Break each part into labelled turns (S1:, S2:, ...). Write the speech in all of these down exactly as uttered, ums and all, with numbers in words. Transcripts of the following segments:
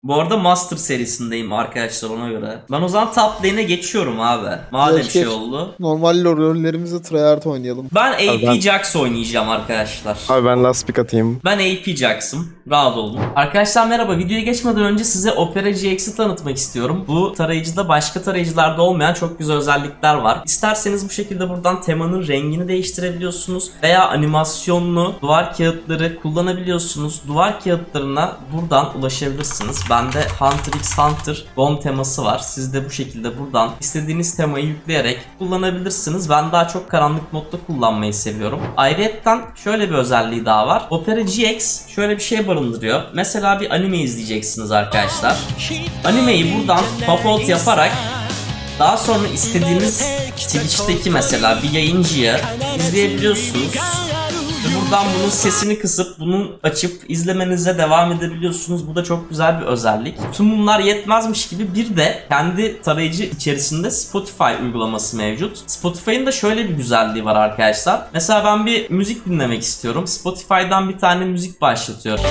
S1: Bu arada Master serisindeyim arkadaşlar ona göre. Ben o zaman top lane'e geçiyorum abi. Madem
S2: Geç,
S1: şey
S2: geç.
S1: oldu.
S2: Normal rollerimizi tryhard oynayalım.
S1: Ben A P
S3: ben-
S1: Jax oynayacağım arkadaşlar.
S3: Abi ben last pick atayım.
S1: Ben A P Jax'ım. Rahat olun. Arkadaşlar merhaba. Videoya geçmeden önce size Opera G X'i tanıtmak istiyorum. Bu tarayıcıda başka tarayıcılarda olmayan çok güzel özellikler var. İsterseniz bu şekilde buradan temanın rengini değiştirebiliyorsunuz. Veya animasyonlu duvar kağıtları kullanabiliyorsunuz. Duvar kağıtlarına buradan ulaşabilirsiniz. Bende Hunter x Hunter Gon teması var. Siz de bu şekilde buradan istediğiniz temayı yükleyerek kullanabilirsiniz. Ben daha çok karanlık modda kullanmayı seviyorum. Ayrıyeten şöyle bir özelliği daha var. Opera G X şöyle bir şey barındırıyor. Mesela bir anime izleyeceksiniz arkadaşlar. Animeyi buradan pop out yaparak daha sonra istediğiniz Twitch'teki mesela bir yayıncıya izleyebiliyorsunuz. Ve buradan bunun sesini kısıp bunun açıp izlemenize devam edebiliyorsunuz. Bu da çok güzel bir özellik. Tüm bunlar yetmezmiş gibi bir de kendi tarayıcı içerisinde Spotify uygulaması mevcut. Spotify'ın da şöyle bir güzelliği var arkadaşlar. Mesela ben bir müzik dinlemek istiyorum. Spotify'dan bir tane müzik başlatıyorum.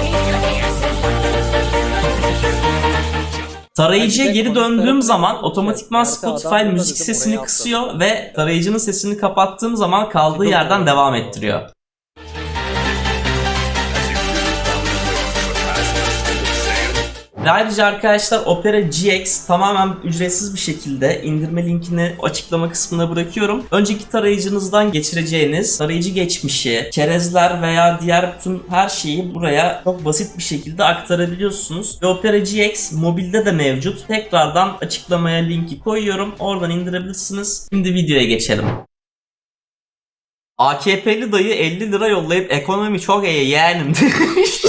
S1: Tarayıcıya geri döndüğüm zaman otomatikman Spotify müzik sesini kısıyor ve tarayıcının sesini kapattığım zaman kaldığı yerden devam ettiriyor. Ve ayrıca arkadaşlar Opera G X tamamen ücretsiz bir şekilde indirme linkini açıklama kısmına bırakıyorum. Önceki tarayıcınızdan geçireceğiniz tarayıcı geçmişi, çerezler veya diğer bütün her şeyi buraya çok basit bir şekilde aktarabiliyorsunuz. Ve Opera G X mobilde de mevcut. Tekrardan açıklamaya linki koyuyorum. Oradan indirebilirsiniz. Şimdi videoya geçelim. A K P'li dayı elli lira yollayıp ekonomi çok iyi yeğenim demiş.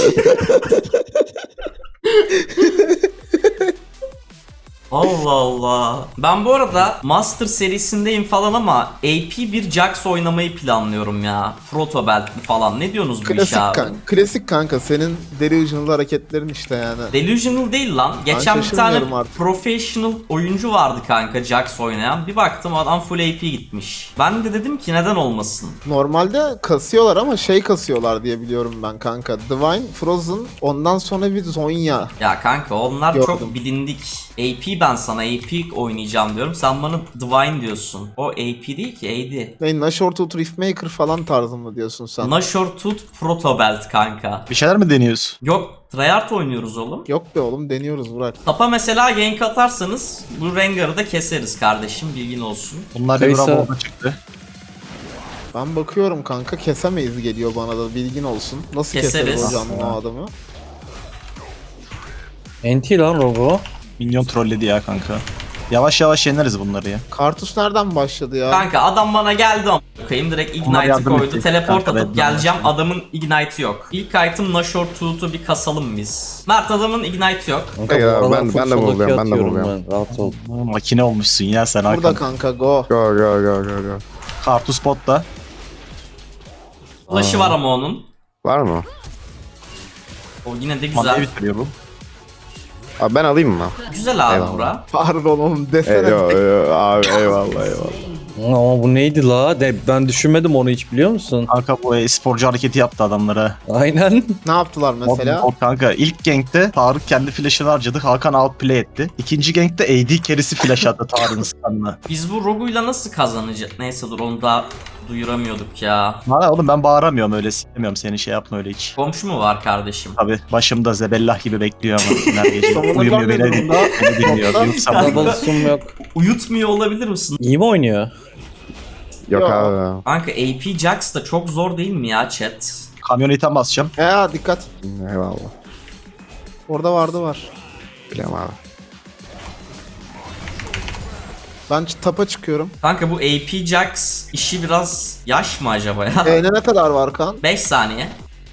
S1: Allah Allah. Ben bu arada Master serisindeyim falan ama A P bir Jax oynamayı planlıyorum ya. Protobelt'li falan. Ne diyorsunuz bu
S2: Klasik
S1: işe abi?
S2: kanka. Klasik kanka. Senin delusional hareketlerin işte yani.
S1: Delusional değil lan. Geçen bir tane
S2: şaşırmıyorum artık.
S1: professional oyuncu vardı kanka Jax oynayan. Bir baktım adam full A P gitmiş. Ben de dedim ki neden olmasın?
S2: Normalde kasıyorlar ama şey kasıyorlar diye biliyorum ben kanka. Divine, Frozen, ondan sonra bir Zonya.
S1: Ya kanka onlar
S2: Gördüm.
S1: çok bilindik. A P ben sana A P oynayacağım diyorum. Sen bana Divine diyorsun. O A P değil ki A D.
S2: Ne, Nashor Tooth Riftmaker falan tarzı mı diyorsun sen?
S1: Nashor Tooth Protobelt kanka.
S3: Bir şeyler mi deniyorsun?
S1: Yok tryhard oynuyoruz oğlum.
S2: Yok be oğlum, deniyoruz Burak.
S1: Tapa mesela gank atarsanız bu Rengar'ı da keseriz kardeşim, bilgin olsun.
S3: Bunlar bir
S4: Kaysa-
S3: bravo çıktı.
S2: Ben bakıyorum kanka, kesemeyiz geliyor bana da, bilgin olsun. Nasıl
S1: Keseriz.
S2: keseriz hocam o adamı?
S4: N T lan Rogo.
S3: Minyon trolledi ya kanka. Yavaş yavaş yeneriz bunları ya.
S2: Kartus nereden başladı ya?
S1: Kanka adam bana geldi ama koyayım direkt
S3: Onlar
S1: Ignite'ı
S3: yardım
S1: koydu.
S3: edecek.
S1: Teleport
S3: Kanka,
S1: atıp
S3: ben-
S1: geleceğim, adamın Ignite'ı yok. İlk item Nashor Tooth'u bir kasalım biz. Mert adamın Ignite yok.
S4: Kanka,
S3: Hayır
S4: bu
S3: abi,
S4: aralar
S3: ben-
S4: full
S3: ben de
S4: solo
S3: buradayım,
S4: queue
S3: ben de
S4: atıyorum
S3: buradayım.
S4: ben, Rahat ol.
S3: Makine olmuşsun ya sen
S2: Burada
S3: Hakan.
S2: kanka, go.
S3: Go go go go go. Kartus botta.
S1: Flash'ı var ama onun.
S3: Var mı?
S1: O yine de
S3: Mandayı
S1: güzel.
S3: bitiriyor bu. Abi ben alayım mı?
S1: Güzel abi
S3: Eyvallah.
S1: bura.
S2: Pardon oğlum desene.
S3: Eyvallah, eyvallah, abi eyvallah eyvallah.
S4: Ama bu neydi la? De, ben düşünmedim onu hiç, biliyor musun?
S3: Kanka bu e-sporcu hareketi yaptı adamlara.
S4: Aynen.
S2: Ne yaptılar mesela?
S3: O, o kanka ilk gankte Tarık kendi flash'ını harcadı. Hakan outplay etti. İkinci gankte A D carry'si flash attı Tarık'ın skanına.
S1: Biz bu Rogu'yla nasıl kazanacağız? Neyse dur onu da duyuramıyorduk ya.
S3: Valla oğlum ben bağıramıyorum öyle, istemiyorum seni, şey yapma öyle hiç.
S1: Komşu mu var kardeşim?
S3: Tabi başımda zebellah gibi bekliyor ama her gece
S2: Savunurlar
S3: uyumuyor,
S2: ne
S3: beni,
S2: durumda?
S3: beni dinliyor. Yoksa
S1: Kanka.
S4: Double zoom yok.
S1: Uyutmuyor olabilir misin?
S4: İyi mi oynuyor?
S3: yok
S2: Yok.
S3: abi.
S1: Kanka A P Jax da çok zor değil mi ya chat?
S3: Kamyonete basacağım.
S2: Ya dikkat.
S3: Eyvallah.
S2: Orada vardı var.
S3: Biliyorum abi.
S2: Ben ç- tapa çıkıyorum.
S1: Kanka bu A P Jax işi biraz yaş mı acaba ya?
S2: Ee, ne kadar var kan?
S1: beş saniye.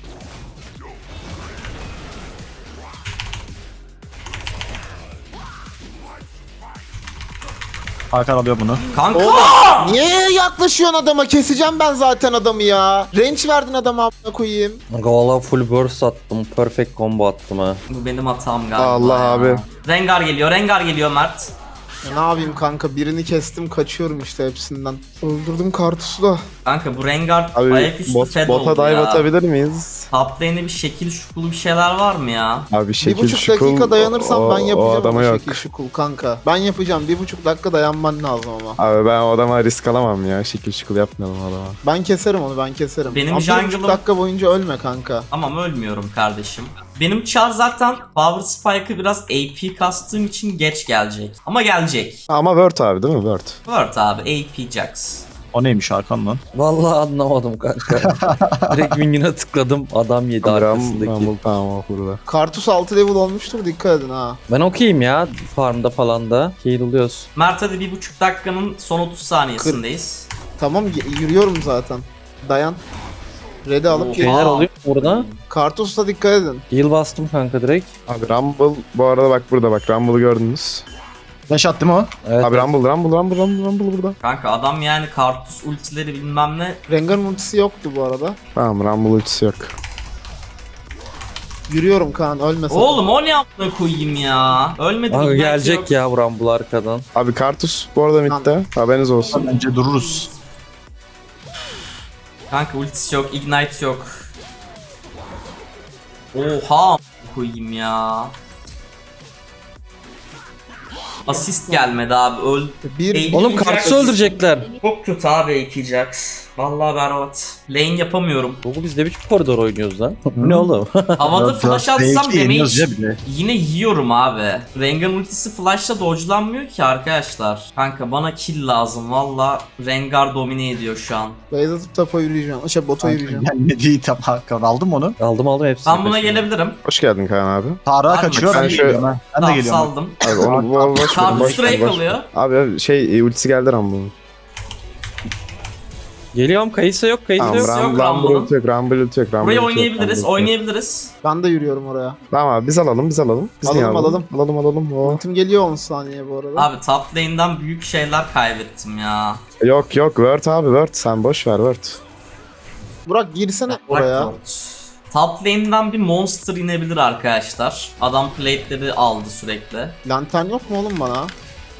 S3: Hakan alıyor bunu.
S1: Kanka!
S2: Oğlum niye yaklaşıyorsun adama? Keseceğim ben zaten adamı ya. Range verdin adama, amına koyayım.
S4: Kanka valla full burst attım. Perfect combo attım ha.
S1: Bu benim hatam galiba
S3: Allah
S1: ya.
S3: abi.
S1: Rengar geliyor, Rengar geliyor Mert.
S2: Ya ne yapayım kanka, birini kestim kaçıyorum işte hepsinden. Öldürdüm Kartus'u da.
S1: Kanka bu Rengar
S5: Abi
S1: ayaküstü
S5: bot,
S1: fed
S5: bota
S1: oldu
S5: dive
S1: ya.
S5: atabilir miyiz?
S1: Top lane'e bir şekil şukulu bir şeyler var mı ya?
S5: Abi şekil
S2: Bir buçuk
S5: şukul,
S2: dakika dayanırsam
S5: o-
S2: ben yapacağım
S5: O adama
S2: ama
S5: yok.
S2: şekil şukul kanka. Ben yapacağım, bir buçuk dakika dayanman lazım ama.
S5: Abi ben o adama risk alamam ya. Şekil şukul yapmayalım o adama.
S2: Ben keserim onu, ben keserim.
S1: Benim
S2: Ama bir
S1: jungle'ım-
S2: buçuk dakika boyunca ölme kanka.
S1: Tamam ölmüyorum kardeşim. Benim Char zaten Power Spike'ı biraz A P kastığım için geç gelecek. Ama gelecek.
S5: Ama Word abi değil mi? Word.
S1: Word abi A P Jax.
S3: O neymiş Hakan lan?
S4: Vallahi anlamadım kanka. Direkt minyona tıkladım. Adam yedi
S5: Ram,
S4: arkasındaki.
S5: Rumble tamam o burada.
S2: Kartus altı level olmuştur, dikkat edin ha.
S4: Ben okeyim ya. Farmda falan da. Keyil oluyoruz.
S1: Mert hadi bir buçuk dakikanın son otuz saniyesindeyiz.
S2: Tamam, y- yürüyorum zaten. Dayan. Red'i alıp
S1: Oha.
S2: gel.
S4: Şeyler oluyor mu burada?
S2: Kartus'a dikkat edin.
S4: Heal bastım kanka direkt.
S5: Abi Rumble bu arada bak burada bak Rumble'ı gördünüz.
S3: Flash attı mı o?
S4: Evet.
S5: Abi Rumble Rumble Rumble Rumble Rumble burada.
S1: Kanka adam yani Kartus ultileri bilmem ne.
S2: Rengar'ın ultisi yoktu bu arada.
S5: Tamam Rumble ultisi yok.
S2: Yürüyorum Kaan, ölme sen.
S1: Oğlum o ne yaptığını koyayım ya. Ölmedi.
S4: Kanka
S1: Ignite
S4: gelecek
S1: yok.
S4: ya vuran bu arkadan.
S5: Abi Kartus bu arada midde. Haberiniz olsun.
S3: Bence dururuz.
S1: Kanka ultisi yok, ignite yok. Oha koyayım ya. Asist gelmedi abi. Öl.
S2: Bir
S1: Eğil-
S4: Oğlum
S1: Jax.
S4: Kartus'u öldürecekler.
S1: Çok kötü abi iki Jax. Vallahi berbat. Lane yapamıyorum.
S4: Google biz ne biçim koridor oynuyoruz lan? Bu ne oğlum?
S1: Havada flash atsam damage
S3: yeniyoruz ya bile.
S1: yine yiyorum abi. Rengar ultisi flash'la dodge'lanmıyor ki arkadaşlar. Kanka bana kill lazım. Valla Rengar domine ediyor şu an.
S2: base atıp tapa yürüyeceğim. Şey bota yürüyeceğim.
S3: Gelmedi tam Hakan. Aldım onu.
S4: aldım aldım hepsini.
S1: Ben buna
S4: peşine.
S1: gelebilirim.
S5: Hoş geldin Kaan abi.
S3: Tarık'a
S1: Abi,
S3: kaçıyor.
S1: ben
S3: Ben de
S5: şöyle-
S3: geliyorum. ha. Ben de
S1: Tamam
S3: geliyorum.
S1: saldım.
S5: Abi onu bu boş ver,
S1: Kartus
S5: boş ver,
S1: Drake
S5: boş ver.
S1: alıyor.
S5: Abi şey e, ultisi geldi Rumble'ın.
S4: Geliyorum kayısı yok kayısı
S5: Tamam
S1: yok,
S4: yok.
S1: yok
S5: Rumble, Rumble
S1: Rumble'ın.
S5: ulti yok Rumble ulti yok Rumble
S1: Burayı
S5: ulti yok,
S1: oynayabiliriz,
S5: Rumble ulti yok.
S1: oynayabiliriz.
S2: Ben de yürüyorum oraya.
S5: Tamam abi biz alalım biz alalım. Biz
S2: Alalım,
S5: niye
S2: alalım.
S5: Alalım alalım. O.
S2: Ultim geliyor on saniye bu arada.
S1: Abi top lane'den büyük şeyler kaybettim ya.
S5: Yok yok Word abi Word sen boş ver Word.
S2: Burak girsene
S1: Bırak
S2: oraya.
S1: Lord. Top lane'den bir monster inebilir arkadaşlar. Adam plate'leri aldı sürekli.
S2: Lantern yok mu oğlum bana?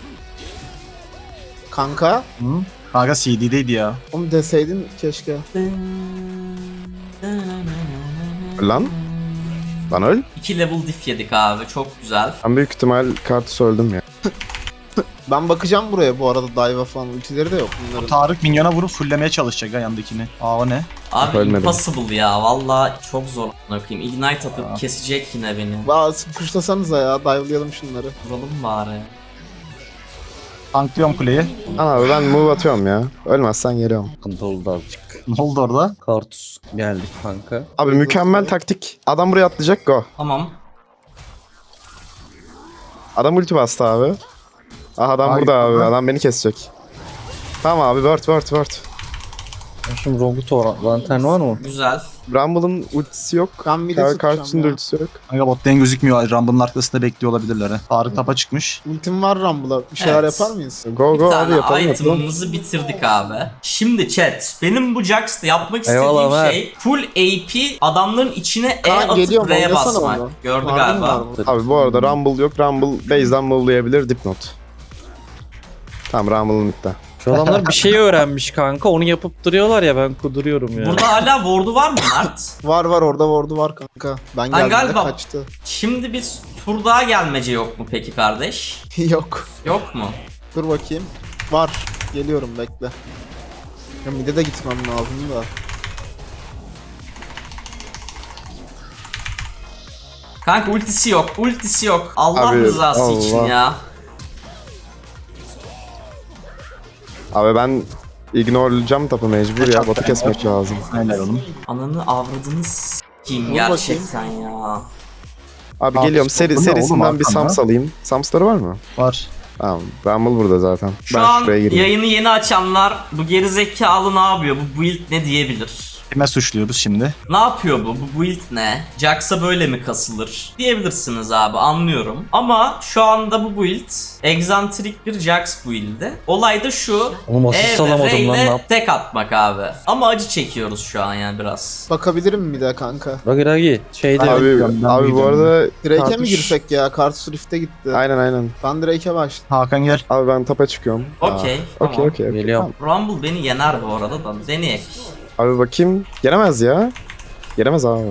S2: Kanka,
S3: Hı? Kanka C D'deydi ya.
S2: onu deseydin keşke.
S5: Lan lan öl.
S1: iki level diff yedik abi, çok güzel.
S5: Ben büyük ihtimal Kartus öldüm ya.
S2: Ben bakacağım buraya bu arada, dive'a falan ultileri de yok bunların.
S3: Tarık minyona vurup fullemeye çalışacak ha yandakini. Aa o ne?
S1: Abi
S5: Ölmedim.
S1: impossible ya, valla çok zor bakayım. Ignite atıp kesecek yine beni.
S2: Bazı puşlasanıza ya, dive'layalım şunları.
S1: Vuralım bari.
S3: Tanklıyorum kuleyi.
S5: Lan abi ben move atıyorum ya. Ölmezsen geliyorum.
S4: Sıkıntı oldu azıcık.
S3: Ne oldu orada?
S4: Kartus geldi kanka.
S5: Abi mükemmel taktik. Adam buraya atlayacak go.
S1: Tamam.
S5: Adam ulti bastı abi. Ah adam
S3: Ay,
S5: burada abi.
S3: aha.
S5: Adam beni kesecek. Tamam abi word word word.
S4: Şimdi Ronguto lantern var mı?
S1: Güzel.
S5: Rumble'ın ultisi yok.
S2: Ben mid'e
S5: Kar
S2: tutacağım
S5: Kartus'un da
S2: ya.
S5: ultisi yok.
S3: Kanka bot lane gözükmüyor. Rumble'ın arkasında bekliyor olabilirler ha. Tarık tapa çıkmış.
S2: Ultim var Rumble'a. Bir şeyler
S1: Evet.
S2: yapar mıyız?
S5: Go
S1: Bir
S5: go abi
S1: tane
S5: yapalım yapalım.
S1: item'ımızı bitirdik abi. Şimdi chat, benim bu Jax'ta yapmak istediğim
S4: Eyvallah, ver.
S1: şey full A P adamların içine E
S2: Kaan,
S1: atıp
S2: geliyorum,
S1: R'ye
S2: oynasana
S1: basmak.
S2: onu.
S1: Gördü
S2: Var mı,
S1: galiba.
S2: var mı?
S5: Abi bu arada Rumble yok. Rumble base'den move'layabilir dipnot. Tamam Rumble'ın midde.
S4: Şu adamlar bir şey öğrenmiş kanka. Onu yapıp duruyorlar ya ben kuduruyorum ya.
S1: Burada hala ward'u var mı Mert?
S2: Var var, orada ward'u var kanka. Ben geldiğimde
S1: galiba-
S2: kaçtı.
S1: Şimdi bir tur daha gelmece yok mu peki kardeş?
S2: Yok.
S1: Yok mu?
S2: Dur bakayım. Var. Geliyorum, bekle. Ya mid'e de gitmem lazım da.
S1: Kanka ultisi yok, ultisi yok. Allah
S5: Abi,
S1: rızası
S5: Allah.
S1: için ya.
S5: Abi ben ignore'layacağım tapı mecbur ya. Botu kesmek lazım.
S3: Helal oğlum.
S1: Ananı avradını s**eyim
S2: Dur
S1: gerçekten ya.
S5: Abi
S3: Abi,
S5: geliyorum seri,
S3: bu ne oğlum
S5: serisinden bir
S3: arkanda?
S5: Sams alayım. Sams'ları var mı?
S3: Var.
S5: Tamam. Rumble burada zaten.
S1: Şu
S5: ben
S1: an
S5: şuraya gireyim.
S1: yayını yeni açanlar bu gerizekalı ne yapıyor, bu build ne diyebilir?
S3: Kime suçluyoruz şimdi?
S1: Ne yapıyor bu? Bu build ne? Jax'a böyle mi kasılır? Diyebilirsiniz abi, anlıyorum. Ama şu anda bu build egzantrik bir Jax build'i. Olay da şu.
S4: Oğlum asist
S1: E ve
S4: alamadım
S1: R
S4: lan, ne
S1: ile
S4: yap-
S1: tek atmak abi. Ama acı çekiyoruz şu an yani biraz.
S2: Bakabilirim bir de kanka.
S4: Ragi Ragi şeyde
S3: Abi,
S5: Abi,
S3: biliyorum, ben
S5: abi bu
S3: biliyorum.
S5: arada
S2: Drake'e mi
S5: Kartuş-
S2: girsek ya? Kartus Rift'e gitti.
S5: Aynen aynen.
S2: Ben Drake'e başladım.
S3: Hakan gel.
S5: Abi ben tapa çıkıyorum.
S1: Okey,
S5: Aa,
S1: tamam.
S5: Okey okey. okey.
S4: geliyorum.
S1: Rumble beni yener bu arada da. Deneyek.
S5: Abi bakayım. Gelemez ya. Gelemez abi.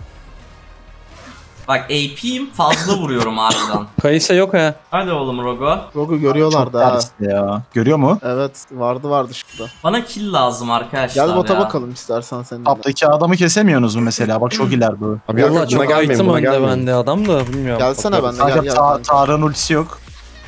S1: Bak A P'yim, fazla vuruyorum harbiden.
S4: Kayısa yok ha.
S1: Hadi oğlum Rogo.
S2: Rogu görüyorlardı ha.
S3: Ters ya. Görüyor mu?
S2: Evet vardı vardı şurada.
S1: Bana kill lazım arkadaşlar
S2: Gel bota
S1: ya.
S2: bakalım istersen seninle.
S3: Taptaki adamı kesemiyorsunuz mu mesela? Bak çok ileride o.
S5: Abi yok,
S4: Valla
S5: buna
S4: çok
S5: gelmeyin
S4: item
S5: buna
S4: önde
S5: gelmeyin.
S4: bende adam da bilmiyorum.
S2: Gelsene
S4: Bakarız.
S2: ben de.
S3: Kanka
S2: gel,
S3: Ta-
S2: gel.
S3: Tarık'ın ultisi yok.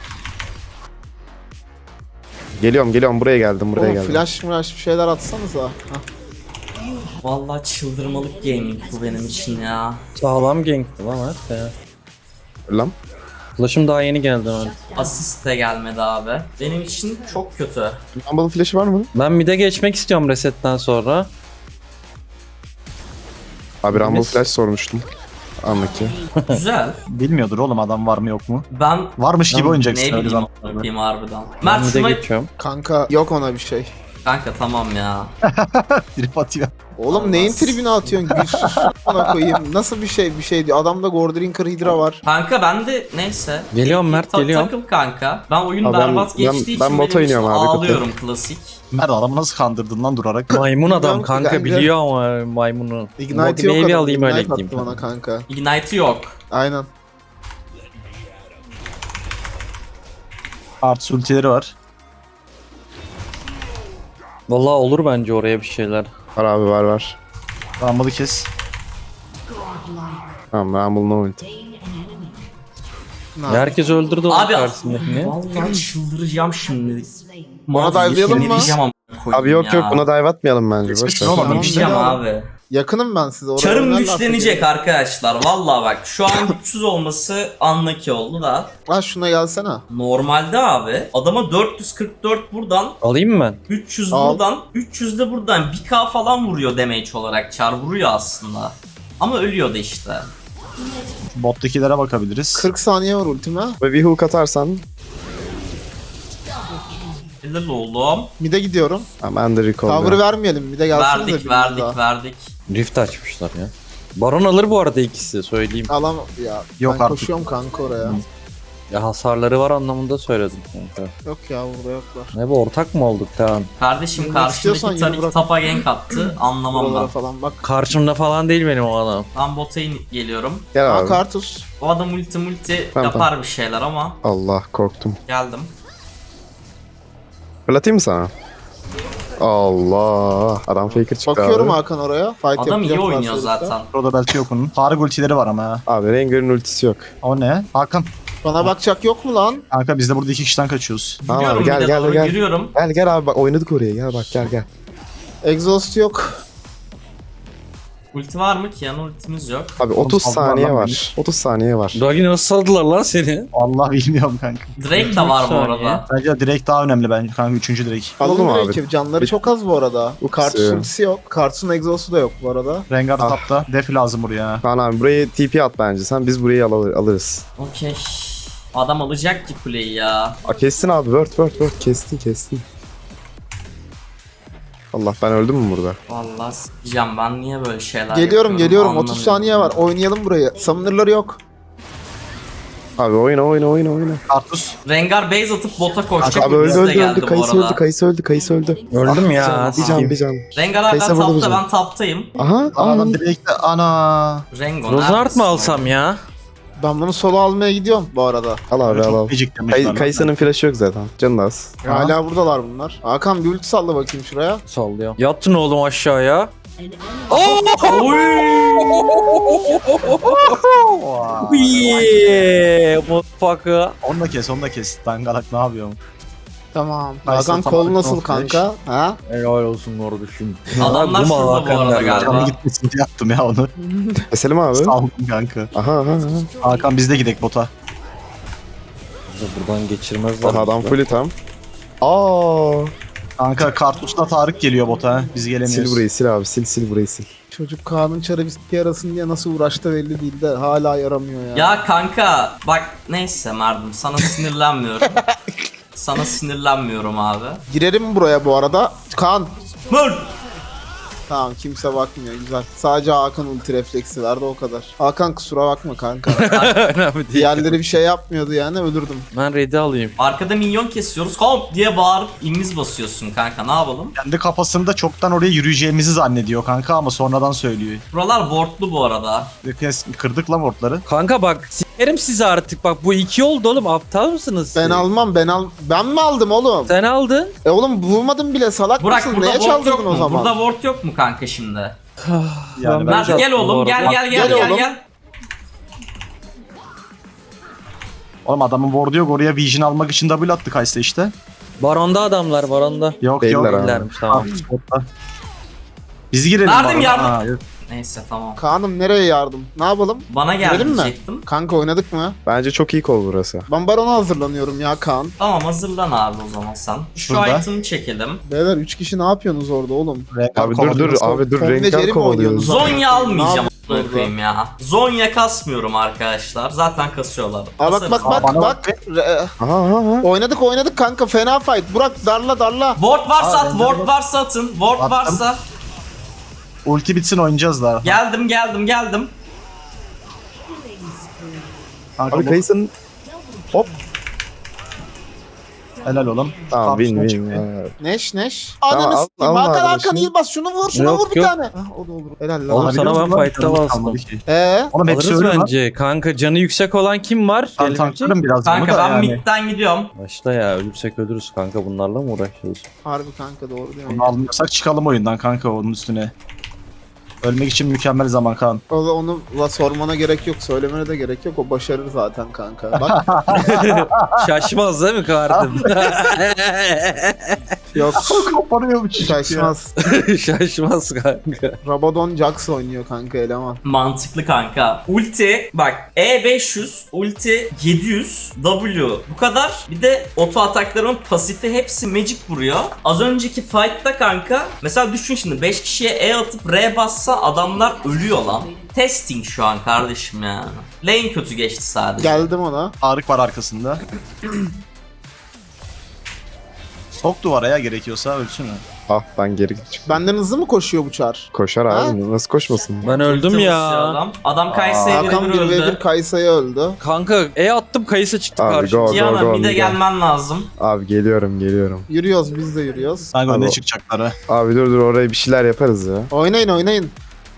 S5: Geliyorum geliyorum buraya geldim buraya
S2: Oğlum
S5: geldim.
S2: flash flash bir şeyler atsanıza. Hah.
S1: Vallahi çıldırmalık gaming bu benim için ya.
S4: Sağlam gankti lan evet ya.
S5: Lan.
S4: Flash'ım daha yeni geldi ben.
S1: Asist de gelmedi abi. Benim için çok kötü.
S5: Rumble'ın flash'ı var mı?
S4: Ben mid'e geçmek istiyorum resetten sonra.
S5: Abi Rumble
S4: Biz-
S5: flash sormuştum. Anlık ki.
S1: Güzel.
S3: Bilmiyordur oğlum adam var mı yok mu?
S1: Ben
S3: Varmış gibi
S4: Ben
S3: oynayacaksın
S1: ne
S3: öyle
S1: bileyim
S3: zaman.
S1: bakayım harbiden.
S4: Ben
S1: Mert
S4: mid'e
S1: şuna...
S4: geçiyorum.
S2: Kanka yok ona bir şey.
S1: Kanka tamam ya.
S3: Trip atıyor.
S2: Oğlum
S1: Olmaz.
S2: neyin tribine atıyorsun? Gülsüz ona koyayım. Nasıl bir şey bir şey diyor. Adamda Gordrinker Hydra var.
S1: Kanka ben de neyse.
S4: Geliyorum Mert,
S1: Ta-
S4: geliyorum.
S1: Takıl kanka. Ben oyun
S5: Abi ben-
S1: berbat
S5: ben-
S1: geçtiği
S5: ben
S1: için
S5: bota
S1: benim için
S5: iniyorum abi,
S1: ağlıyorum klasik.
S3: Mert adamı nasıl kandırdın lan durarak?
S4: Maymun adam
S2: Bilmiyorum ki
S4: kanka
S2: kanka.
S4: biliyor ama maymunu.
S2: Ignite
S4: Motive
S2: yok
S4: bir
S2: adamın.
S4: alayım öyle
S2: Ignite
S4: gideyim.
S2: attı bana kanka.
S1: Ignite'ı yok.
S2: Aynen.
S3: Artı ultileri var.
S4: Vallahi olur bence oraya bir şeyler.
S5: Var abi var var.
S3: Rumble'ı kes.
S5: Tamam Rumble no ulti.
S2: Ne
S4: Ya herkes öldürdü onun
S1: Abi
S4: karşısındakini.
S1: vallahi çıldıracağım şimdi.
S2: Bana dive'layalım mı?
S1: Sinirleyeceğim ama koyayım
S5: Abi yok
S1: ya.
S5: yok buna dive atmayalım bence. Boş ver.
S3: Tamam,
S2: Tamam,
S1: Sinirleyeceğim
S2: tamam.
S1: abi.
S2: Yakınım ben size. Oraya
S1: Çarım
S2: oynarlarsa
S1: güçlenecek
S2: gelin.
S1: arkadaşlar. Vallahi bak şu an güçsüz olması unlucky oldu da.
S2: Ha şuna gelsene.
S1: Normalde abi adama dört yüz kırk dört buradan,
S4: Alayım mı ben?
S1: üç yüz
S2: Al.
S1: buradan, üç yüz de buradan bir K falan vuruyor damage olarak. Çar vuruyor aslında. Ama ölüyordu işte.
S3: Bot'takilere bakabiliriz.
S2: kırk saniye var ultime.
S5: Ve bir hook atarsan
S1: Helal oğlum.
S2: Mid'e gidiyorum.
S5: ha, ben de recall.
S2: Cover'ı vermeyelim. Mid'e gelsene de
S1: Verdik
S2: biriniz
S1: verdik
S2: daha.
S1: verdik.
S4: Rift açmışlar ya. Baron alır bu arada ikisi söyleyeyim.
S2: Alam ya.
S3: Yok
S2: ben
S3: artık.
S2: koşuyorum kanka oraya.
S4: Ya hasarları var anlamında söyledim kanka.
S2: Yok ya burada yoklar.
S4: Ne bu ortak mı olduk tamam.
S1: Kardeşim
S2: Bilmek istiyorsan
S1: karşındaki
S2: yürü
S1: Tarik
S2: bırak.
S1: tapa gank attı. Anlamam
S2: Buralara
S1: ben.
S2: falan bak.
S4: Karşımda falan değil benim o adam.
S1: Ben bota inip geliyorum.
S5: Gel
S2: Aa
S5: abi.
S2: Kartus.
S1: O adam multi multi
S5: Tamam,
S1: yapar bir şeyler ama
S5: Allah korktum.
S1: geldim.
S5: Fırlatayım mı sana? Allah. Adam faker çıktı
S2: Bakıyorum
S5: abi.
S2: Hakan oraya. Fight
S1: Adam iyi
S2: yapacak
S1: oynuyor
S2: varsa herifler.
S1: zaten.
S3: Roda belki yok onun. Tarık ultileri var ama ha.
S5: Abi Rengar'ın ultisi yok.
S3: O ne? Hakan.
S2: Bana bakacak yok mu lan?
S3: Kanka biz de burada iki kişiden kaçıyoruz.
S5: Tamam
S1: Yürüyorum
S5: abi gel
S1: bir de
S5: gel
S1: doğru
S5: gel.
S1: yürüyorum.
S5: Gel gel abi bak oynadık oraya gel bak gel gel.
S2: Exhaust yok.
S1: Ulti var mı ki? Yan ultimiz yok.
S5: Abi otuz
S3: saldılar
S5: saniye
S3: lan
S5: var.
S3: beni.
S5: otuz saniye var.
S4: Ragi nasıl saldılar lan seni?
S3: Allah bilmiyorum kanka.
S1: Drake de var bu
S4: saniye.
S1: arada.
S3: Bence direkt daha önemli bence kanka. Üçüncü direkt.
S5: Alalım
S2: Alın
S5: abi.
S2: Drake'i. Canları çok az bu arada. Bu Kartus
S5: Kısıyor.
S2: ultisi yok. Kartus'un exhaust'u da yok bu arada.
S3: Rengar
S5: Ah.
S3: tapta. Def lazım buraya.
S5: Kaan abi buraya T P at bence sen biz burayı al alırız.
S1: Okey. Adam alacak ki kuleyi ya.
S5: Aa, kestin abi word word word kestin kestin. Allah ben öldüm mü burada?
S1: Vallahi s**eceğim ben niye böyle şeyler
S2: Geliyorum
S1: yapıyorum
S2: geliyorum. otuz
S1: anlamıyorum.
S2: saniye var. Oynayalım burayı. Summoner'ları yok.
S5: Abi oyna oyna oyna oyna.
S3: Kartus.
S1: Rengar base atıp bota koşacak.
S5: Abi öldü
S1: ultisi de
S5: öldü
S1: geldi
S5: öldü
S1: bu
S5: kayısı
S1: arada.
S5: öldü kayısı öldü kayısı öldü.
S4: Öldüm ya.
S5: Bir can
S4: sikeyim.
S5: bir can.
S1: Rengar hala
S5: Kayısı vurdu
S1: tapta
S5: bizi.
S1: ben taptayım.
S5: Aha
S3: Aa
S5: aha.
S3: ben direkt de ana.
S1: Rengo
S4: Rosart
S1: neredesin
S4: mı
S1: oğlum?
S4: alsam ya?
S2: Ben bunu solo almaya gidiyorum bu arada.
S5: Al abi al al.
S3: Çok gecik demiş
S5: Kay,
S3: lan.
S5: Kayısı'nın flash'ı yok zaten. Canı da az.
S2: Hala buradalar bunlar. Hakan bir ulti salla bakayım şuraya.
S4: Sallıyor. Yattın oğlum aşağıya.
S3: Vay.
S4: Yeah, motherfucker.
S3: Onu da kes onu da kes. Dangalak ne yapıyorsun?
S2: Tamam.
S3: Kayısı
S2: Hakan
S3: tamam,
S2: kol nasıl
S3: tamam,
S2: kanka? Ha?
S4: Helal olsun kardeşim.
S1: Adamlar
S4: Bu mu
S1: şurada bu
S4: Hakan
S1: arada
S4: derler?
S1: galiba.
S3: Canım gitmesin diye yaptım ya onu.
S5: Keselim abi.
S3: Saldım kanka.
S5: Aha aha aha.
S3: Hakan biz de gidek bota.
S4: Buradan geçirmezler.
S5: Aha adam
S4: bizi.
S5: fully tam. Aa.
S3: Kanka Kartus'la Tarık geliyor bota. ha. Biz
S5: Sil
S3: gelemiyoruz.
S5: burayı sil abi sil sil burayı sil.
S2: Çocuk Kaan'ın çarı bisküvi yarasın diye nasıl uğraştı belli değil de hala yaramıyor ya.
S1: Ya kanka bak neyse Merdim sana sinirlenmiyorum. Sana sinirlenmiyorum abi.
S2: Girerim buraya bu arada. Kaan.
S1: Mır!
S2: Tamam kimse bakmıyor güzel. Sadece Hakan ulti refleksi verdi o kadar. Hakan kusura bakma kanka.
S4: Önemli değil.
S2: Diğerleri bir şey yapmıyordu yani ölürdüm.
S4: Ben ready alayım.
S1: Arkada minyon kesiyoruz. Komp diye bağırıp imiz basıyorsun kanka ne yapalım?
S3: Kendi kafasında çoktan oraya yürüyeceğimizi zannediyor kanka ama sonradan söylüyor.
S1: Buralar wardlu bu arada.
S3: Kes- Kırdık lan wardları.
S4: Kanka bak sikerim sizi artık bak bu iki oldu oğlum aptal mısınız?
S2: Ben
S4: siz?
S2: almam ben al. Ben mi aldım oğlum?
S4: Sen aldın.
S2: E oğlum vurmadım bile salak
S1: Burak
S2: mısın?
S1: burada
S2: Neye
S1: ward
S2: çaldırdın
S1: yok
S2: o
S1: mu?
S2: zaman?
S1: Burada ward yok mu kanka şimdi?
S3: Yani
S4: Ben
S3: ben
S1: Mert
S4: de
S1: gel
S4: attım bu
S1: oğlum
S4: arada.
S1: gel gel gel
S2: Gel
S1: gel
S2: oğlum.
S1: gel.
S3: Oğlum adamın ward'u yok oraya vision almak için double attık Kaysa işte.
S4: Baronda adamlar baronda.
S3: Yok
S5: Değiller
S3: yok.
S5: abi.
S4: Değillermiş tamam.
S3: Ah, spotta. Biz girelim.
S1: Verdim
S3: bana.
S1: yardım.
S3: Ha, yok.
S1: Neyse tamam.
S2: Kaan'ım nereye yardım? Ne yapalım?
S1: Bana gel
S2: Girelim mi?
S1: diyecektim.
S2: Kanka oynadık mı?
S5: Bence çok iyi kol burası.
S2: Ben barona hazırlanıyorum ya Kaan.
S1: Tamam hazırlan abi o zaman sen. Şu
S3: Şurada.
S1: item'ı çekelim.
S2: Beyler üç kişi ne yapıyorsunuz orada oğlum?
S3: Renkler
S5: Abi dur dur
S3: kovalıyoruz.
S5: abi dur
S2: Tom ve Jerry
S5: renkler
S2: mi
S5: kovalıyoruz.
S2: oynuyorsunuz?
S1: Zonya almayacağım
S2: Ne
S1: a**ına koyayım ya. Zonya kasmıyorum arkadaşlar. Zaten kasıyorlar.
S2: Aa bak
S1: Kasarız.
S2: bak bak
S3: bana
S2: bak. Re-
S5: Aha aha aha.
S2: oynadık oynadık kanka fena fight. Burak darla darla.
S1: Ward varsa
S3: Aa,
S1: at,
S3: bende
S1: ward
S3: var.
S1: varsa atın. Ward
S3: Attım.
S1: varsa.
S3: Ulti bitsin oynayacağız daha.
S1: Geldim geldim geldim.
S3: Kanka
S5: Abi
S3: bu-
S5: Kayısın. Hop.
S3: helal oğlum.
S5: Tamam win
S3: Kartus'un
S5: win.
S3: çıktı.
S5: Ha.
S2: Neş neş.
S5: Tamam,
S2: Ananı
S5: al-
S2: s**eyim.
S5: alma
S2: Hakan
S5: abi
S2: Hakan
S5: şimdi.
S2: iyi bas şunu vur şunu
S4: Yok,
S2: vur bir
S4: yok.
S2: tane. Ah, o da olur. Helal lan.
S4: Oğlum
S3: Alabiliyor
S4: sana
S3: musun
S4: ben
S3: lan?
S4: fight'ta
S3: Canım
S4: bastım.
S3: kalmadı ki.
S2: Eee?
S3: Oğlum hepsi
S4: Alırız
S3: öyle lan.
S4: bence. Kanka canı yüksek olan kim var?
S3: Ben
S4: Gelebilecek.
S3: tanklarım biraz bunu
S1: Kanka
S3: da
S1: ben
S3: yani.
S1: midden gidiyorum.
S4: Başta ya ölürsek ölürüz kanka bunlarla mı uğraşıyoruz?
S2: Harbi kanka doğru diyor.
S3: Bunu almıyorsak çıkalım oyundan kanka onun üstüne. Ölmek için mükemmel zaman Kaan.
S2: O da onu la sormana gerek yok, söylemene de gerek yok. O başarır zaten kanka. Bak
S4: Şaşmaz değil mi kardım?
S2: yok
S3: Koparıyor bu çocuk ya.
S2: şaşmaz.
S4: Şaşmaz kanka.
S2: Rabadon Jax oynuyor kanka eleman.
S1: Mantıklı kanka. Ulti bak E beş yüz, ulti yedi yüz, W bu kadar. Bir de oto ataklarımın pasifi hepsi magic vuruyor. Az önceki fight'ta kanka mesela düşün şimdi beş kişiye E atıp R bassa adamlar ölüyor lan. Testing şu an kardeşim yani. Lane kötü geçti sadece.
S2: Geldim ona.
S3: Tarık var arkasında. Sok duvara ya gerekiyorsa ölsün mü?
S5: Ah ben geri çık.
S2: Benden hızlı mı koşuyor bu çar?
S5: Koşar abi nasıl koşmasın?
S4: Ben öldüm
S1: Basıyor
S4: ya.
S1: Adam, adam Kayseri'ye
S2: Hakan
S1: bir
S2: bir ve
S1: öldü.
S2: bir Kaysa'ya öldü.
S4: Kanka E attım kayısı çıktı
S5: Abi
S4: karşıma.
S5: go go
S1: Diana
S5: go.
S1: bir de
S5: Miguel.
S1: gelmen lazım.
S5: Abi geliyorum geliyorum.
S2: Yürüyoruz biz de yürüyoruz.
S3: Kanka
S5: Abi
S3: ne
S5: o-
S3: çıkacaklar ha?
S5: Abi dur dur oraya bir şeyler yaparız ya.
S2: Oynayın oynayın.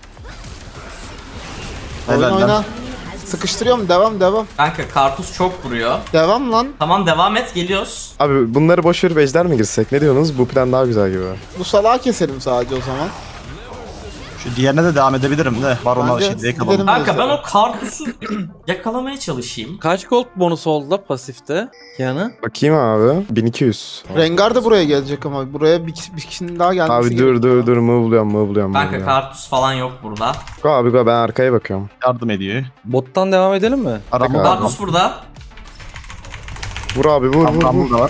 S2: Oyna
S3: Helal lan.
S2: oyna. Sıkıştırıyorum devam devam.
S1: Kanka karpuz çok vuruyor.
S2: Devam lan.
S1: Tamam devam et geliyoruz.
S5: Abi bunları boş verip ejder mi girsek? Ne diyorsunuz? Bu plan daha güzel gibi.
S2: Bu salağı keselim sadece o zaman.
S3: Şu diğerine de devam edebilirim de. Var ona
S2: Bence
S3: şey diye
S2: gidelim.
S3: kalalım.
S1: Kanka ben
S2: mesela.
S1: o karpuzu yakalamaya çalışayım.
S4: Kaç gold bonus oldu da pasifte? Yani
S5: Bakayım abi. bin iki yüz.
S2: Rengar da buraya gelecek ama buraya bir, bir kişinin daha gelmesi
S5: Abi dur
S2: gerekiyor.
S5: dur dur move buluyorum move buluyorum. move
S1: Kanka
S5: buluyorum.
S1: karpuz falan yok burada.
S5: Go abi go ben arkaya bakıyorum.
S3: Yardım ediyor.
S4: bottan devam edelim mi?
S3: Arama
S5: Abi.
S1: Karpuz burada.
S5: Vur abi vur vur
S3: Tam
S5: vur.
S3: da var.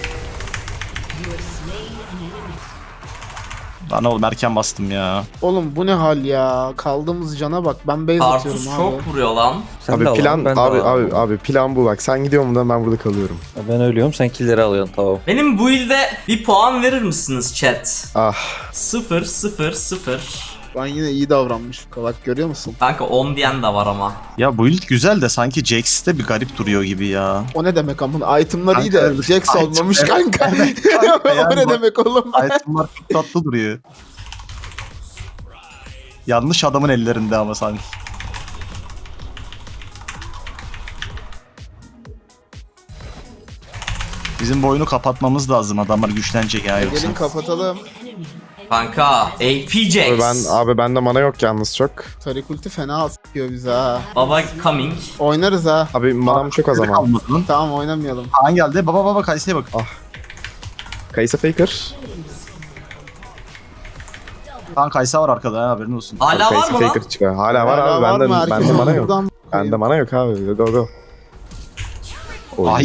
S3: Lan oğlum erken bastım ya.
S2: Oğlum bu ne hal ya? Kaldığımız cana bak. Ben base atıyorum
S1: Karpuz
S2: abi.
S1: çok vuruyor lan.
S4: Sen de
S5: Abi
S4: al
S5: plan
S4: lan, ben de
S5: abi
S4: alayım.
S5: abi abi plan bu bak. Sen gidiyor mu ben burada kalıyorum.
S4: Ben ölüyorum sen killleri alıyorsun tamam.
S1: Benim bu ilde bir puan verir misiniz chat?
S5: Ah
S1: sıfır sıfır sıfır.
S2: Ben yine iyi davranmışım. Bak görüyor musun?
S1: Kanka on diyen de var ama.
S3: Ya bu build güzel de sanki Jax'te bir garip duruyor gibi ya.
S2: O ne demek amına? Itemlar iyi de
S3: Kanka,
S2: Jax
S3: item-
S2: olmamış
S3: evet.
S2: kanka.
S3: Kanka
S2: o
S3: yani
S2: ne
S3: bak-
S2: demek oğlum?
S3: Itemlar çok tatlı duruyor. Yanlış adamın ellerinde ama sanki. Bizim bu oyunu kapatmamız lazım. Adamlar güçlenecek ya yoksa.
S2: Gelin kapatalım.
S1: Kanka A P Jax.
S5: abi ben abi bende mana yok yalnız çok.
S2: Tarik ulti fena sıkıyor bize ha.
S1: Baba coming.
S2: Oynarız ha.
S5: Abi manam çok az ama.
S3: Kalmadı lan.
S2: Tamam oynamayalım.
S3: Kaan geldi. Baba baba Kayse'ye bak.
S5: Kayısı faker.
S3: Kaan Kayse var arkada ha, haberin olsun.
S1: Hala var
S5: Kayısı
S1: mı lan?
S5: faker çıkar. Hala var
S2: Hala
S5: abi
S2: var
S5: bende
S2: mı?
S5: bende
S2: Herkes
S5: mana yok.
S2: buradan
S5: Bende mana yok abi. Go go.
S3: Ay.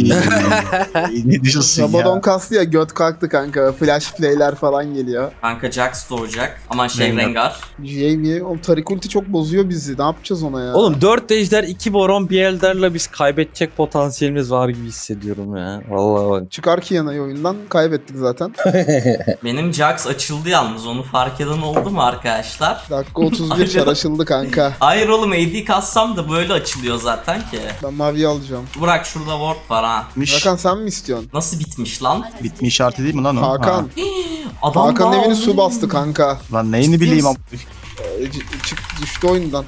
S3: Ne diyorsun
S2: Rabadon
S3: ya?
S2: kastı ya, göt kalktı kanka. Flash play'ler falan geliyor.
S1: Kanka Jax doğacak. Aman şey
S3: Rengar.
S1: Rengar.
S2: J V, o Tarik ulti çok bozuyor bizi. Ne yapacağız ona ya?
S4: Oğlum dört ejder iki baron bir elderle biz kaybedecek potansiyelimiz var gibi hissediyorum ya. Vallahi bak.
S2: Çıkar ki yanayı oyundan. Kaybettik zaten.
S1: Benim Jax açıldı yalnız, onu fark eden oldu mu arkadaşlar?
S2: Dakika otuz bir
S1: Aynen.
S2: çar açıldı kanka.
S1: Hayır oğlum, A D kassam da böyle açılıyor zaten ki.
S2: Ben mavi alacağım.
S1: Burak şurada ward var ha.
S3: Bitmiş.
S2: Hakan sen mi istiyorsun?
S1: Nasıl bitmiş lan?
S3: Bitmiş işareti değil mi lan o?
S2: Hakan.
S3: Ha.
S1: Adam
S2: Hakan'ın
S1: daha
S2: evini
S1: oldu.
S2: su bastı kanka.
S3: Lan neyini bileyim am-
S2: Ee, c- çık düştü oyundan.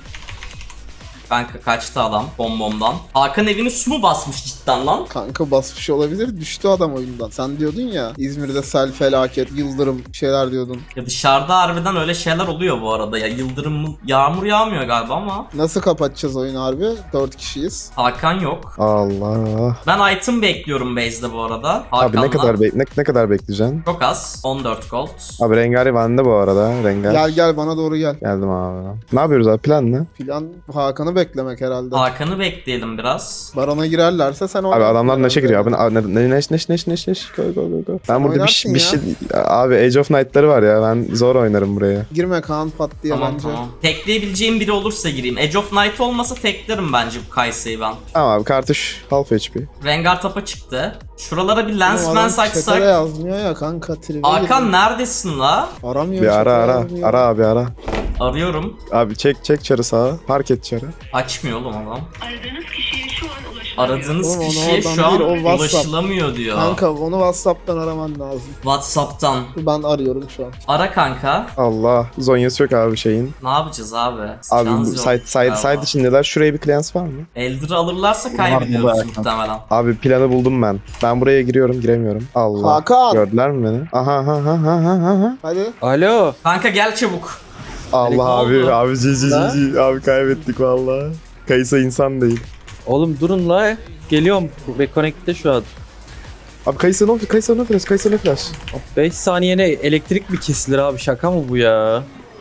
S1: Kanka kaçtı adam bombomdan. Hakan evini su mu basmış cidden lan?
S2: Kanka basmış olabilir. Düştü adam oyundan. Sen diyordun ya İzmir'de sel, felaket, yıldırım şeyler diyordun.
S1: Ya dışarıda harbiden öyle şeyler oluyor bu arada ya. Yıldırım mı- yağmur yağmıyor galiba ama.
S2: Nasıl kapatacağız oyunu harbi? Dört kişiyiz.
S1: Hakan yok.
S5: Allah.
S1: Ben item bekliyorum base'de bu arada.
S5: Abi
S1: Hakan'la.
S5: ne kadar bek ne, ne kadar bekleyeceksin?
S1: Çok az. on dört gold.
S5: Abi Rengar bende bu arada. Rengar.
S2: Gel gel bana doğru gel.
S5: Geldim abi. Ne yapıyoruz abi, plan ne?
S2: Plan Hakan'ı beklemek herhalde.
S1: Hakan'ı bekleyelim biraz.
S2: Barona girerlerse sen
S5: Abi
S2: oynarsın
S5: adamlar neşe
S2: herhalde.
S5: giriyor abi. Ne ne neş neş neş neş neş. Go go go go. Ben burada bir, şey-
S2: oynarsın
S5: bir
S2: ya.
S5: şey abi Age of Night'ları var ya. Ben zor oynarım buraya.
S2: Girme Kaan pat diye
S1: Tamam
S2: bence.
S1: tamam. Tekleyebileceğim biri olursa gireyim. Edge of Night olmasa teklerim bence bu Kayseri'yi ben.
S5: Tamam abi, kartuş half H P.
S1: Rengar tapa çıktı. Şuralara bir
S2: Oğlum
S1: lensman
S2: adam chat'e de
S1: saksak.
S2: yazmıyor ya kanka. tribe
S1: Hakan
S2: girdi.
S1: neredesin la?
S2: Aramıyor.
S5: Bir
S2: chat'e
S5: ara ara.
S2: yazmıyor.
S5: Ara abi ara.
S1: Arıyorum.
S5: Abi çek çek çarı sağa. Park et çarı.
S1: Açmıyor oğlum adam.
S6: Aradığınız kişiye şu an ulaşılamıyor.
S1: Aradığınız
S2: Oğlum onu
S1: kişiye
S2: oradan
S1: şu an
S2: değil, o WhatsApp.
S1: ulaşılamıyor diyor.
S2: Kanka onu WhatsApp'tan araman lazım.
S1: Whatsapp'tan.
S2: Ben arıyorum şu an.
S1: Ara kanka.
S5: Allah. Zonyası yok abi şeyin.
S1: Ne yapacağız abi?
S5: Abi bu
S1: Silahınız yok
S5: side side
S1: galiba.
S5: side içindeler. Şuraya bir cleanse var mı?
S1: Elder'ı alırlarsa
S3: Var
S1: kaybediyoruz
S3: burada.
S1: muhtemelen.
S5: Abi planı buldum ben. Ben buraya giriyorum, giremiyorum. Allah.
S2: Hakan.
S5: Gördüler mi beni? Aha ha ha ha ha ha.
S2: Hadi.
S4: Alo.
S1: Kanka gel çabuk.
S5: Allah
S1: Ne
S5: abi
S1: oldu?
S5: abi cici cici
S4: Ha?
S5: cici. Abi kaybettik vallahi. Kayısa insan değil.
S4: Oğlum durun la. Geliyorum. Reconnect'te şu an.
S5: Abi Kayısa ne Kayısa ne flash, Kayısa ne flash.
S4: beş saniyene elektrik mi kesilir abi? Şaka mı bu ya?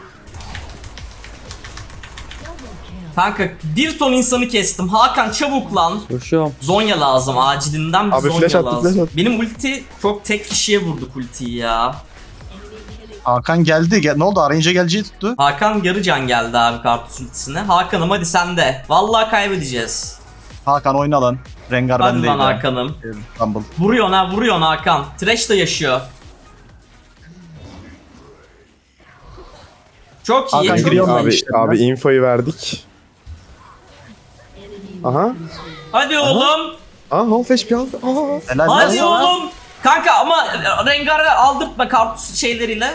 S1: Kanka bir ton insanı kestim. Hakan çabuk lan.
S4: Koşuyorum.
S1: Zonya lazım acilinden bir
S5: Abi
S1: Zonya
S5: flash attı,
S1: lazım.
S5: flash attı.
S1: Benim ulti çok tek kişiye vurduk ultiyi ya.
S3: Hakan geldi. Gel ne oldu? Arayınca geleceği tuttu.
S1: Hakan yarı can geldi abi karpuz ultisine. Hakan'ım hadi sen de. Vallahi kaybedeceğiz.
S3: Hakan oyna lan. Rengar
S1: Hadi
S3: bendeydi.
S1: lan Hakan'ım.
S3: Rumble.
S1: Vuruyorsun ha vuruyorsun Hakan. Thresh de yaşıyor. Çok iyi.
S3: Hakan
S1: çok
S3: giriyor
S1: iyi.
S3: mu?
S5: Abi
S3: işte
S5: abi
S3: biraz.
S5: infoyu verdik. Aha.
S1: Hadi oğlum.
S5: Aa half H P half. Aa.
S3: Helal
S1: Hadi
S3: lan.
S1: oğlum. Kanka ama Rengar'ı aldırtma karpuz şeyleriyle.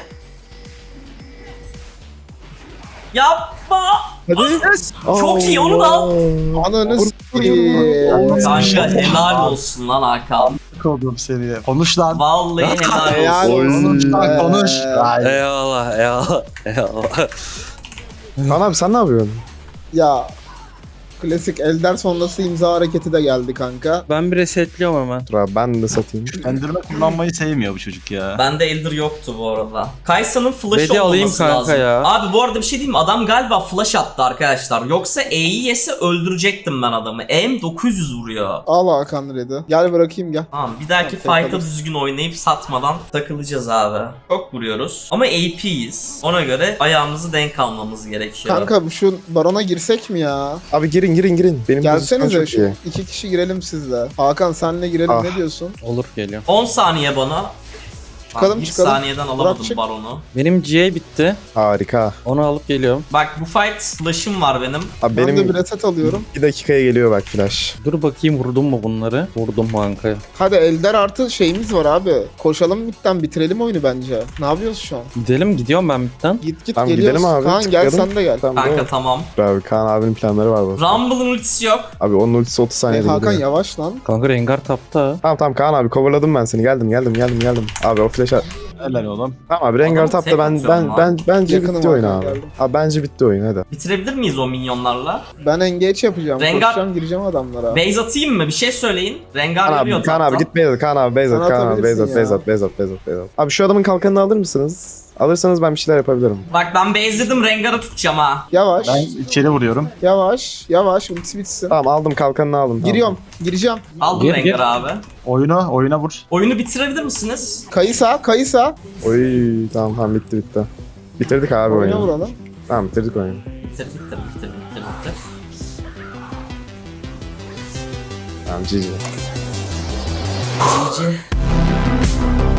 S1: Yapma.
S5: Hadi.
S1: Çok iyi, onu da al.
S2: Ananı
S5: Vur-
S2: s**eyim.
S1: Kanka helal olsun lan Hakan.
S3: Koydum seni. Konuş lan.
S1: Vallahi helal
S2: Helal
S1: olsun.
S5: Oy.
S3: Konuş lan konuş.
S2: Ee,
S3: Ay.
S4: Eyvallah eyvallah. Eyvallah.
S5: Kaan abi sen ne yapıyorsun?
S2: Ya klasik Elder sonrası imza hareketi de geldi kanka.
S4: Ben bir resetliyorum hemen.
S5: Dur abi ben de satayım.
S3: Enderman kullanmayı sevmiyor bu çocuk ya.
S1: Bende Elder yoktu bu arada. Kaysa'nın flash'ı
S4: Bedi alayım
S1: olması
S4: kanka
S1: lazım.
S4: ya.
S1: Abi bu arada bir şey diyeyim mi? Adam galiba flash attı arkadaşlar. Yoksa E'yi yese öldürecektim ben adamı. E'm dokuz yüz vuruyor.
S2: Al Hakan Red'i. Gel bırakayım gel.
S1: Tamam bir dahaki
S2: Tamam,
S1: fight'a
S2: takalım.
S1: düzgün oynayıp satmadan takılacağız abi. Çok vuruyoruz. Ama A P'yiz. Ona göre ayağımızı denk almamız gerekiyor.
S2: Kanka bu şu barona girsek mi ya?
S5: Abi girin girin girin. Benim pozisyon
S2: Gelsenize
S5: çok
S2: şu
S5: iyi.
S2: iki kişi girelim sizle. Hakan senle girelim
S5: Ah.
S2: ne diyorsun?
S4: Olur geliyorum.
S1: on saniye bana.
S2: Çıkalım,
S1: bir
S2: çıkalım.
S1: saniyeden alamadım
S2: Burak çık.
S1: baronu.
S4: Benim G A bitti.
S5: Harika.
S4: Onu alıp geliyorum.
S1: Bak bu fight flash'ım var benim.
S5: Abi
S2: Ben de
S5: benim
S2: bir reset alıyorum.
S5: bir dakikaya geliyor bak flash.
S4: Dur bakayım vurdum mu bunları? Vurdum kanka.
S2: Hadi Elder artı şeyimiz var abi. Koşalım bitten bitirelim oyunu bence. Ne yapıyoruz şu an?
S4: Gidelim gidiyorum ben bitten.
S2: Git git
S5: Tamam,
S2: geliyoruz.
S5: gidelim abi,
S2: Kaan gel
S5: tıklayalım.
S2: sen de gel.
S5: Tamam değil
S1: Kanka
S5: mi?
S1: tamam.
S5: Abi Kaan abinin planları var bu.
S1: Rumble'ın ultisi yok.
S5: Abi onun ultisi otuz
S2: Hey,
S5: saniyede
S2: Hakan
S5: geliyor.
S2: yavaş lan.
S4: Kanka Rengar tapta.
S5: Tamam tamam Kaan abi coverladım ben seni. Geldim geldim geldim geldim. Abi o flash at.
S3: Helal oğlum.
S5: Tamam abi Rengar
S1: Adamı
S5: tapta
S1: tek
S5: ben
S1: atıyorum
S5: ben
S1: lan.
S5: ben bence
S2: Yakınım
S5: bitti oyun
S2: Hakan,
S5: abi.
S2: geldim.
S5: Abi bence bitti oyun hadi.
S1: Bitirebilir miyiz o minyonlarla?
S2: Ben engage yapacağım.
S1: Rengar-
S2: Koşacağım gireceğim adamlara.
S1: Base atayım mı? Bir şey söyleyin. Rengar
S5: Kaan
S1: geliyor
S5: abi, Kaan abi
S1: taptan.
S5: git base at, Kaan abi base
S2: Sen
S5: at, Kaan abi
S2: atabilirsin
S5: base at,
S2: ya.
S5: base at, base at, base at, base at. Abi şu adamın kalkanını alır mısınız? Alırsanız ben bir şeyler yapabilirim.
S1: Bak ben base'ledim, Rengar'ı tutacağım ha.
S2: Yavaş.
S3: Ben içeri vuruyorum.
S2: Yavaş. Yavaş. Ultisi bitsin.
S5: Tamam aldım kalkanını aldım.
S2: Giriyorum. Gireceğim.
S1: Aldım
S4: Gir,
S1: Rengar'ı
S4: gir.
S1: abi.
S3: Oyuna, oyuna vur.
S1: Oyunu bitirebilir misiniz?
S2: Kayısa. Kayısa.
S5: Tamam. Oy tamam tamam bitti bitti. Bitirdik abi
S2: Oyuna
S5: oyunu.
S2: vuralım.
S5: Tamam bitirdik oyunu.
S1: Bitir bitir bitir bitir bitir.
S5: Tamam G G.
S1: G G.